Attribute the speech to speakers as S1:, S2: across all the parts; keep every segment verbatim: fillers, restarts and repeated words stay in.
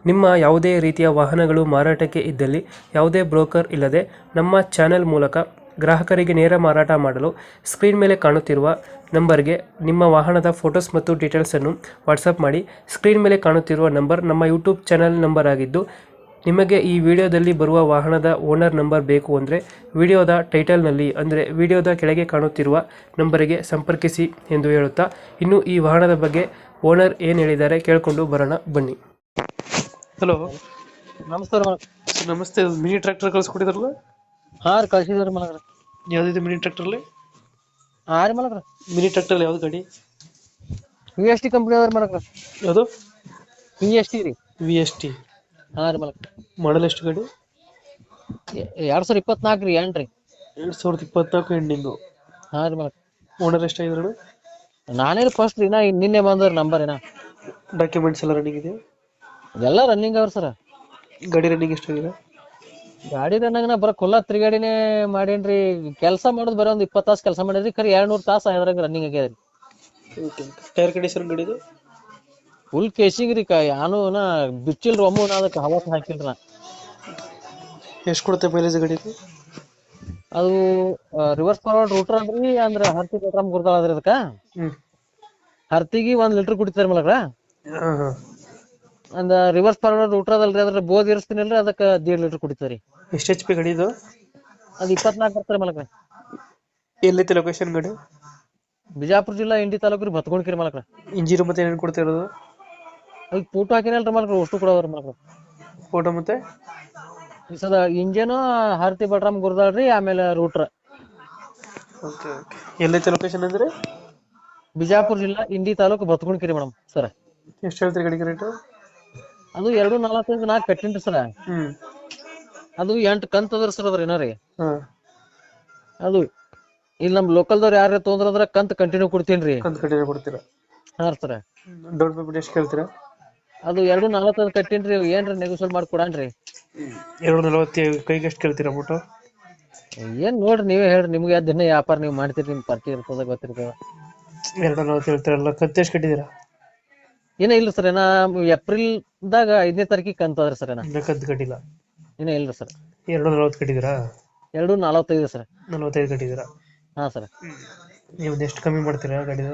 S1: ನಿಮ್ಮ ಯಾವುದೇ ರೀತಿಯ ವಾಹನಗಳು ಮಾರಾಟಕ್ಕೆ ಇದ್ದಲ್ಲಿ ಯಾವುದೇ ಬ್ರೋಕರ್ ಇಲ್ಲದೆ ನಮ್ಮ ಚಾನೆಲ್ ಮೂಲಕ ಗ್ರಾಹಕರಿಗೆ ನೇರ ಮಾರಾಟ ಮಾಡಲು ಸ್ಕ್ರೀನ್ ಮೇಲೆ ಕಾಣುತ್ತಿರುವ ನಂಬರ್ಗೆ ನಿಮ್ಮ ವಾಹನದ ಫೋಟೋಸ್ ಮತ್ತು ಡೀಟೇಲ್ಸನ್ನು ವಾಟ್ಸಪ್ ಮಾಡಿ. ಸ್ಕ್ರೀನ್ ಮೇಲೆ ಕಾಣುತ್ತಿರುವ ನಂಬರ್ ನಮ್ಮ ಯೂಟ್ಯೂಬ್ ಚಾನೆಲ್ ನಂಬರ್ ಆಗಿದ್ದು, ನಿಮಗೆ ಈ ವಿಡಿಯೋದಲ್ಲಿ ಬರುವ ವಾಹನದ ಓನರ್ ನಂಬರ್ ಬೇಕು ಅಂದರೆ ವಿಡಿಯೋದ ಟೈಟಲ್ನಲ್ಲಿ ಅಂದರೆ ವಿಡಿಯೋದ ಕೆಳಗೆ ಕಾಣುತ್ತಿರುವ ನಂಬರಿಗೆ ಸಂಪರ್ಕಿಸಿ ಎಂದು ಹೇಳುತ್ತಾ, ಇನ್ನು ಈ ವಾಹನದ ಬಗ್ಗೆ ಓನರ್ ಏನು ಹೇಳಿದ್ದಾರೆ ಕೇಳಿಕೊಂಡು ಬರೋಣ ಬನ್ನಿ. ಹಲೋ,
S2: ನಮಸ್ಕಾರ ಮಲಕ್.
S1: ನಮಸ್ತೆ. ಮಿನಿ ಟ್ರ್ಯಾಕ್ಟರ್ ಕಳಿಸ್ಕೊಟ್ಟಿದ್ರಲ್ಲ,
S2: ಹಾ ರೀ ಕಳ್ಸಿದ್ರಿ ಮಲಕ್ರ.
S1: ಯಾವ್ದಿದೆ ಮಿನಿ ಟ್ರ್ಯಾಕ್ಟರ್ಲಿ?
S2: ಹಾ ರೀ ಮಲಕ್ರ,
S1: ಮಿನಿ ಟ್ರ್ಯಾಕ್ಟರ್ ಯಾವ್ದು ಗಾಡಿ?
S2: ವಿ ಎಸ್ ಟಿ ಕಂಪ್ನಿ ಅದ್ರ ಮಲಕ್ರ.
S1: ಯಾವುದು?
S2: ವಿ ಎಸ್ ಟಿ ರೀ.
S1: V S T.
S2: ಹಾ ರೀ ಮಲಕ್.
S1: ಮಾಡಲ್ ಎಷ್ಟು ಗಾಡಿ?
S2: ಎರಡ್ ಸಾವಿರ ಇಪ್ಪತ್ನಾಲ್ಕು ರೀ ಎಂಟ್ರಿ.
S1: ಎರಡ್ ಸಾವಿರದ ಇಪ್ಪತ್ನಾಲ್ಕು ಎಂಡಿಂಗು.
S2: ಹಾ ರೀ ಮಲಕ್.
S1: ಓನರ್ ಎಷ್ಟಾಗಿದ್ರು?
S2: ನಾನೇ ಫಸ್ಟ್ ರೀ, ನಾ ನಿನ್ನೆ ಬಂದ್ರಿ ನಂಬರ್ ಏನ.
S1: ಡಾಕ್ಯುಮೆಂಟ್ಸ್ ಎಲ್ಲ ರನ್ನಿಂಗ್ ಇದೆ?
S2: ಎಲ್ಲ ರನ್ನಿಂಗ್ ಅವ್ರ ಸರ.
S1: ಗಾಡಿ ರನ್ನಿಂಗ್ ಎಷ್ಟಾಗಿದೆ?
S2: ಗಾಡಿ ರನ್ನಾಗ ನಾ ಬರ ಕುಲ್ಲ ತಿರುಗಾಡಿನೇ ಮಾಡೇನ್ರಿ. ಕೆಲಸ ಮಾಡೋದು ಬರೀ ಒಂದ್ ಇಪ್ಪತ್ತು ತಾಸು ಕೆಲಸ ಮಾಡಿದ್ರಿ, ಖರೀ ಎರಡ್ ನೂರ್ ತಾಸು ಅದ್ರಾಗ ರನ್ನಿಂಗ್ ಆಗ್ಯದ್ರಿ.
S1: ಟೈರ್ ಕಂಡೀಷನ್ ಗಾಡಿದು?
S2: ಫುಲ್ ಕೇಸಿಂಗ್ ರೀ. ಯಾನು ನಾ ಬಿಚ್ಚಿಲ್ರಿ ಒಮ್ಮು, ನಾ ಅದಕ್ಕೆ ಹವಾಸ ಹಾಕಿಲ್ರಿ ನಾ.
S1: ಎಷ್ಟು ಕೊಡುತ್ತೆ ಮೈಲೇಜ್ ಗಾಡಿದು?
S2: ಅದು ರಿವರ್ಸ್ ಫಾರ್ವರ್ಡ್ ರೂಟರ್ ಅಂದ್ರಿ, ಅಂದ್ರ ಹರ್ತಿ ಪೆಟ್ರಾಮ್ ಗುರ್ದಾಳ ಅದ್ರಿ. ಅದಕ್ಕ
S1: ಹ್ಮ್
S2: ಹರ್ತಿಗಿ ಒಂದ್ ಲೀಟರ್ ಕುಡಿತಾರ ಮಲಕ್ರ.
S1: ಹಾ ಹಾ
S2: ಅಂದ ರಿವರ್ಸ್ ಫಾರ್ವರ್ಡ್ ರೂಟರ್ ಅದಲ್ರಿ, ಅದ್ರ ಬೋದ್ ಇರಿಸ್ತೀನಲ್ರಿ, ಅದಕ್ಕ ದೇಡ್ ಲೀಟರ್ ಕುಡಿತಾರಿ.
S1: ಎಷ್ಟು ಎಚ್ ಪಿ ಗಾಡಿ ಇದು?
S2: ಅದ್ ಇಪ್ಪತ್ನಾಲ್ಕು ಬರ್ತಾರೆ ಮಲಕ್ರ.
S1: ಎಲ್ಲೈತೆ ಲೊಕೇಶನ್ ಗಾಡಿ?
S2: ಬಿಜಾಪುರ ಜಿಲ್ಲಾ ಇಂಡಿ ತಾಲೂಕು ರೀ, ಬತ್ಕೊಂಡ್ಕಿರಿ ಮಲಕ್ರ.
S1: ಇಂಜಿನ್ ಮತ್ತೆ ಏನೇನು ಕೊಡ್ತಾ ಇರೋದು?
S2: ಈಗ ಫೋಟೋ ಹಾಕಿನಲ್ರಿ ಮಲಕ್ರ, ಅಷ್ಟು ಕೊಡೋದ್ರಿ ಮಲಕ್ರ.
S1: ಫೋಟೋ ಮತ್ತೆ
S2: ಸದ ಇಂಜನ್ ಹರ್ತಿ ಪೆಟ್ರಾಮ್ ಗುರ್ದಾಳ್ರಿ, ಆಮೇಲೆ ರೂಟ್ರ್.
S1: Okay okay. ಎಲ್ಲೈತೆ ಲೊಕೇಶನ್ ಅಂದ್ರೆ?
S2: ಬಿಜಾಪುರ ಜಿಲ್ಲಾ ಇಂಡಿ ತಾಲೂಕು ಬತ್ಕೊಂಡ್ಕಿರಿ ಮೇಡಮ್ ಸರ್.
S1: ಎಷ್ಟು ಹೇಳ್ತೀರಿ ಗಾಡಿಗೆ ರೇಟು?
S2: ಅದು ಎರಡು ನಲವತ್ತೈದು ನಾಲ್ಕು ಕಟ್ಟಿನ್ರಿ ಸರ.
S1: ಹ್ಮ್
S2: ಅದು ಎಂಟು ಕಂತ್ ಅದ್ರ ಸರ್ ಅದ್ರ ಏನಾರಿ.
S1: ಹಾ
S2: ಅದು ಇಲ್ಲಿ ನಮ್ ಲೋಕಲ್ದವ್ರು ಯಾರೇ ತೊಂದ್ರಂದ್ರ ಕಂತ್ ಕಂಟಿನ್ಯೂ ಕೊಡ್ತೀನ್ರಿ.
S1: ಕಂತು ಕಟ್ಟಿದ್ರೆ ಕೊಡ್ತೀರಾ?
S2: ಹಾ ಸರ.
S1: ಡೌನ್ ಪೇಮೆಂಟ್ ಎಷ್ಟು ಕೇಳ್ತೀರಾ?
S2: ಅದು ಎರಡು ನಲವತ್ತೈದು ಕಟ್ಟಿನ್ರಿ, ಏನ್ರಿ ನೆಗೋಸಿಯೇಟ್ ಮಾಡಿ ಕೊಡಾನ್ರಿ.
S1: ಎರಡು ನಲವತ್ತು ಕೈಗೆ ಎಷ್ಟು ಕೇಳ್ತೀರಾ ಅಮೌಂಟು?
S2: ಏನ್ ನೋಡ್ರಿ ನೀವೇ ಹೇಳ್ರಿ, ನಿಮ್ಗೆ ಯಾವ ದಿನ ವ್ಯಾಪಾರ ನೀವು ಮಾಡ್ತೀರಿ, ನಿಮ್ ಪರಿಚಯ ಇರ್ತದ ಗೊತ್ತಿರ್ತದ.
S1: ಎರಡು ನಲವತ್ತು ಹೇಳ್ತೀರಲ್ಲ, ಕಂತು ಎಷ್ಟು ಕಟ್ಟಿದ್ದೀರಾ?
S2: ಏನ ಇಲ್ಲ ಸರ್, ಏನ ಏಪ್ರಿಲ್ ದಾಗ ಐದನೇ ತಾರೀಕಿಗೆ ಕಂತ ಅದ್ರಿ ಸರ್. ಏನ
S1: ಇನ್ನ ಕಂತು ಕಟ್ಟಿಲ್ಲ?
S2: ಇನ್ನ ಇಲ್ರಿ ಸರ್.
S1: ಎರಡು ನಲವತ್ತು ಕಟ್ಟಿದ್ದೀರಾ?
S2: ಎರಡು ನಲವತ್ತೈದು ಸರ್.
S1: ನಲವತ್ತೈದು ಕಟ್ಟಿದ್ದೀರಾ?
S2: ಹಾ ಸರ್.
S1: ನೀವು ಎಷ್ಟು ಕಮ್ಮಿ ಮಾಡ್ತೀರಾ ಗಾಡಿದು?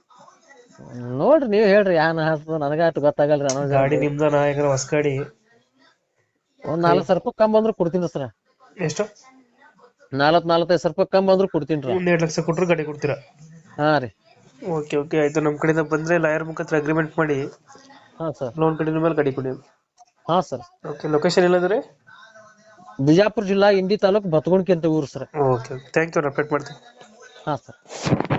S2: ನೋಡ್ರಿ ನೀವ್ ಹೇಳ್ರಿ, ಯಾನ್ ಹಾಕ್ತದ ನನಗ ಅಷ್ಟು ಗೊತ್ತಾಗಲ್ರಿ. ಅನ್ನೋ
S1: ಗಾಡಿ ನಿಮ್ದ ನಾಯಕರ ಹೊಸ ಗಾಡಿ.
S2: ಒಂದ್ ನಾಲ್ಕು ಸಾವಿರ ರೂಪಾಯಿ ಕಮ್ಮಿ ಬಂದ್ರು ಕೊಡ್ತೀನಿ ಸರ್.
S1: ಎಷ್ಟು?
S2: ನಾಲ್ಕು ನಾಲ್ಕೈದು ಸಾವಿರ ರೂಪಾಯಿ ಕಮ್ಮಿ ಬಂದ್ರು ಕೊಡ್ತೀನಿ.
S1: ಒಂದ್ ಎರಡು ಲಕ್ಷ ಕೊಟ್ಟರು ಗಾಡಿ ಕೊಡ್ತೀರಾ?
S2: ಹಾ ರೀ.
S1: ಓಕೆ ಓಕೆ ಆಯ್ತು. ನಮ್ಮ ಕಡೆಯಿಂದ ಬಂದ್ರೆ ಲಾಯರ್ ಮುಖಾಂತರ ಅಗ್ರಿಮೆಂಟ್ ಮಾಡಿ
S2: ಹಾ ಸರ್.
S1: ಲೋನ್ ಕಡಿಮೆ ಮೇಲೆ ಗಾಡಿ ಕೊಡಿ.
S2: ಹಾ ಸರ್.
S1: ಓಕೆ. ಲೊಕೇಶನ್ ಎಲ್ಲಂದ್ರೆ?
S2: ಬಿಜಾಪುರ ಜಿಲ್ಲಾ ಇಂಡಿ ತಾಲೂಕು ಬತ್ಕೊಂಡ್ಕಿ ಅಂತ ಊರು sir.
S1: Okay okay. Thank you. Update ಮಾಡ್ತೀನಿ.
S2: ಹಾ ಸರ್.